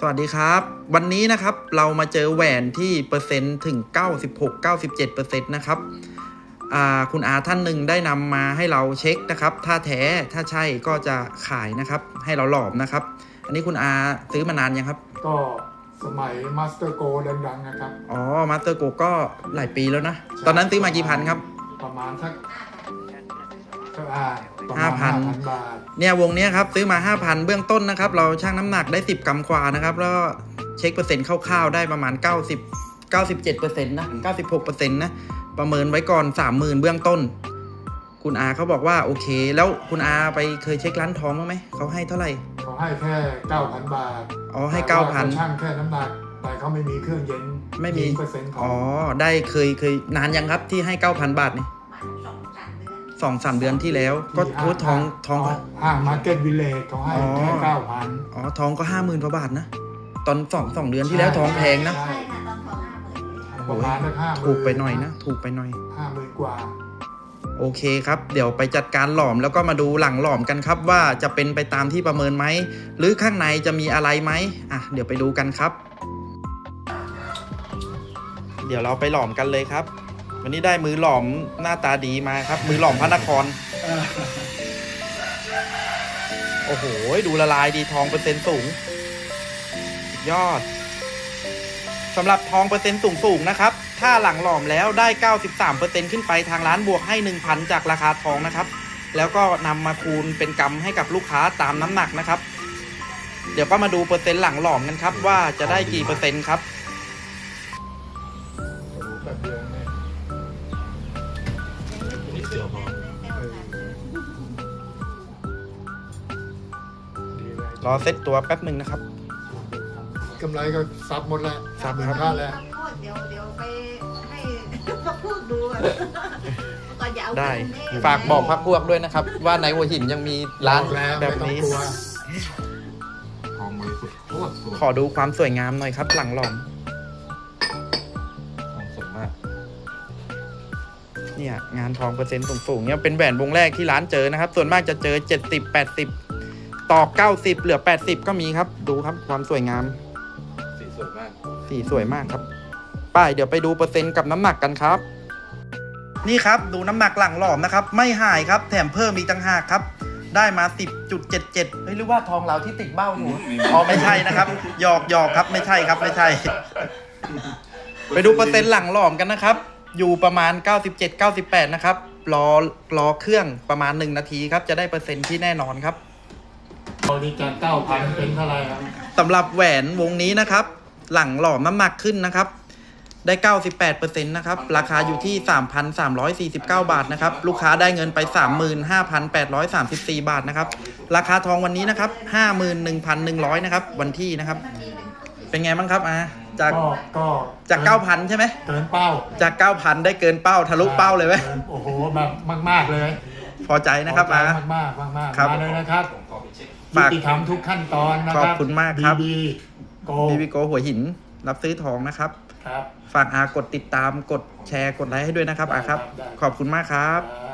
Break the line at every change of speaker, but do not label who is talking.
สวัสดีครับวันนี้นะครับเรามาเจอแหวนที่เปอร์เซ็นต์ถึง 96-97% นะครับคุณอาท่านหนึ่งได้นำมาให้เราเช็คนะครับถ้าแท้ถ้าใช่ก็จะขายนะครับให้เราหลอมนะครับอันนี้คุณอาซื้อมานานยังครับ
ก็สมัยมาสเตอร์โกดังๆนะครับ
อ๋อมาสเตอร์โกก็หลายปีแล้วนะตอนนั้นซื้อมากี่พันครับ
ประมาณสัก5,000 บาท
เนี่ยวงนี้ครับซื้อมา 5,000 เบื้องต้นนะครับเราชั่งน้ำหนักได้10 กรัมกว่านะครับแล้วเช็คเปอร์เซ็นต์คร่าวๆได้ประมาณ97%นะ96%นะประเมินไว้ก่อน 30,000 เบื้องต้นคุณอาเขาบอกว่าโอเคแล้วคุณอาไปเคยเช็คร้านทองบ้างไหมเขาให้เท่าไหร่
เขาให้แค่ 9,000 บาท
อ๋อให้ 9,000
ช่างแค่น้ำหนักแต่เขาไม่มีเครื่องเย็น
ไม่มี
%
อ๋อได้เคยนานยังครับที่ให้ 9,000 บาทนี่2-3 เดือนที่แล้วก็ทอง
ห้างมาร์เก็ตวิลเลจเขาให้แค่ 9,000
อ๋อทองก็ 50,000 กว่าบาทนะตอน2 เดือนที่แล้วทองแพงนะ
ประมาณ50,000
ถูกไปหน่อยนะถูกไปหน่อย
50,000 กว่า
โอเคครับเดี๋ยวไปจัดการหลอมแล้วก็มาดูหลังหลอมกันครับว่าจะเป็นไปตามที่ประเมินไหมหรือข้างในจะมีอะไรไหมเดี๋ยวไปดูกันครับเดี๋ยวเราไปหลอมกันเลยครับวันนี้ได้มือหลอมหน้าตาดีมาครับมือหลอมพระนครโอ้โหดูละลายดีทองเปอร์เซ็นต์สูงยอดสำหรับทองเปอร์เซ็นต์สูงนะครับถ้าหลังหลอมแล้วได้ 93% ขึ้นไปทางร้านบวกให้ 1,000 จากราคาทองนะครับแล้วก็นำมาคูณเป็นกำให้กับลูกค้าตามน้ำหนักนะครับเดี๋ยวก็มาดูเปอร์เซ็นต์หลังหลอมกันครับว่าจะได้กี่เปอร์เซ็นต์ครับรอเซตตัวแป๊บหนึ่งนะครับ
กำไรก็ซับหมดแล้ว
ซับ
ครับแล้ว
เดี๋ยวไปให้พักพวกดูก่อนอย่าเอา
ได้ฝากบอกพักพวกด้วยนะครับว่าในหัวหินยังมีร้านแบบนี้ขอดูความสวยงามหน่อยครับหลังหลอมสวยมากเนี่ยงานทองเปอร์เซ็นต์สูงๆเนี่ยเป็นแหวนวงแรกที่ร้านเจอนะครับส่วนมากจะเจอ70-80ต่อ90เหลือ80ก็มีครับดูครับความสวยงามสีสวยมากครับป้ายเดี๋ยวไปดูเปอร์เซ็นต์กับน้ำหนักกันครับนี่ครับดูน้ำหนักหลังหลอมนะครับไม่หายครับแถมเพิ่มอีกต่างหากครับได้มา 10.77 เฮ้ยหรือว่าทองเราที่ติดเบ้าอยู่อ๋อไม่ใช่นะครับหยอกครับไม่ใช่ครับไม่ใช่ไปดูเปอร์เซ็นต์หลังหลอมกันนะครับอยู่ประมาณ 97-98 นะครับรอเครื่องประมาณ1นาทีครับจะได้เปอร์เซ็นต์ที่แน่นอนครับ
ตอนนี้จาก 9,000 เป็นเท่าไหร่ครับ
สำหรับแหวนวงนี้นะครับหลังหลอมน้ำหนักขึ้นนะครับได้ 98% นะครับราคาอยู่ที่ 3,349 บาทนะครับลูกค้าได้เงินไป 35,834 บาทนะครับราคาทองวันนี้นะครับ 51,100 นะครับวันที่นะครับเป็นไงบ้างครับจาก 9,000 ใช่ไหม
เกินเป้า
จาก 9,000 ได้เกินเป้าทะลุเป้าเลยไหม
โอ้โหแบบมากๆเลย
พอใจนะครับ
มากมาเลยนะครับยุติธรรมทุกขั้นตอนนะครับ
ขอบคุณมากครับ
BB
Go หัวหินรับซื้อทองนะครับฝากกดติดตามกดแชร์กดไลค์ให้ด้วยนะครับครับขอบคุณมากครับ